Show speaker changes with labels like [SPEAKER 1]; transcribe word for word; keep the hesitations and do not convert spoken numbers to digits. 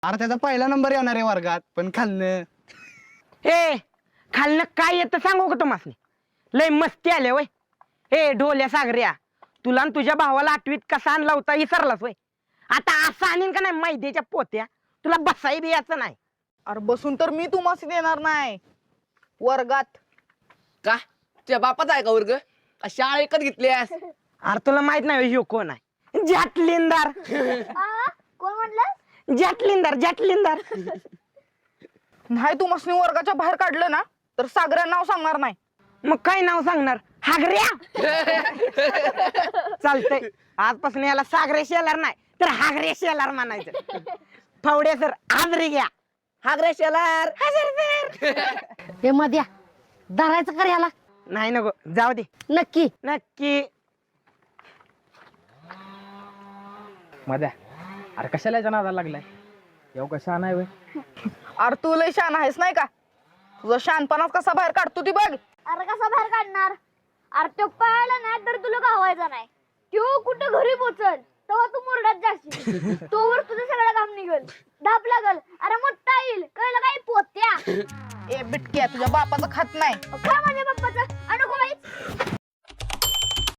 [SPEAKER 1] अरे त्याचा पहिला नंबर येणार आहे वर्गात, पण खाल्लं.
[SPEAKER 2] ए खाल्लं काय येतं सांगू का तुम्हाला? लय मस्ती आले वय. ए ढोल्या सागऱ्या, तुला आणि तुझ्या भावाला आठवीत कसा आणला होता विसरलास वय? आता असं आणीन का नाही मैद्याच्या पोत्या, तुला बसाई बी याचं नाही.
[SPEAKER 3] अरे बसून तर मी तुम्हाला देणार नाही वर्गात.
[SPEAKER 4] का तुझ्या बापाचा आहे का वर्ग? का शाळा एकच घेतलीस?
[SPEAKER 2] अरे तुला माहित नाही ह्यो कोण आहे? जाटलिंदार.
[SPEAKER 5] कोण म्हटलं?
[SPEAKER 2] जाटलिंदार जाटलिंदार.
[SPEAKER 3] नाही तुम्हाला वर्गाच्या बाहेर काढलं ना तर सागऱ्या नाव सांगणार नाही.
[SPEAKER 2] मग काय नाव सांगणार? हागऱ्या. चालतंय, आजपासून याला सागरे शेलार नाही तर हागरे शेलार म्हणायचं. फावडे सर हाजरी घ्या.
[SPEAKER 4] हागरे शेलार.
[SPEAKER 5] हे मध्या धरायचं कर याला.
[SPEAKER 2] नाही नको, जाऊ दे.
[SPEAKER 5] नक्की
[SPEAKER 2] नक्की.
[SPEAKER 6] मध्या, अरे कशाला याच्या नादाला लागलाय? येऊ कशा नाही वय?
[SPEAKER 3] अरे तू लय शान आहेस नाही का? तुझा शानपणात कसा बाहेर काढतो ती बघ.
[SPEAKER 5] अरे कसा बाहेर काढणार? अरे तो पळाला नाही तर तुला गावायचा नाही. तो कुठं घरी पोचल तेव्हा तू मुरडात जाशील. तोवर तुझं सगळं काम निघल, धाप लागल. अरे मोठा येईल, कळलं काय पोत्या?
[SPEAKER 3] ए बिटक्या, तुझ्या बापाचं खात नाही.
[SPEAKER 5] खा माझ्या पप्पाचं. अनको बाई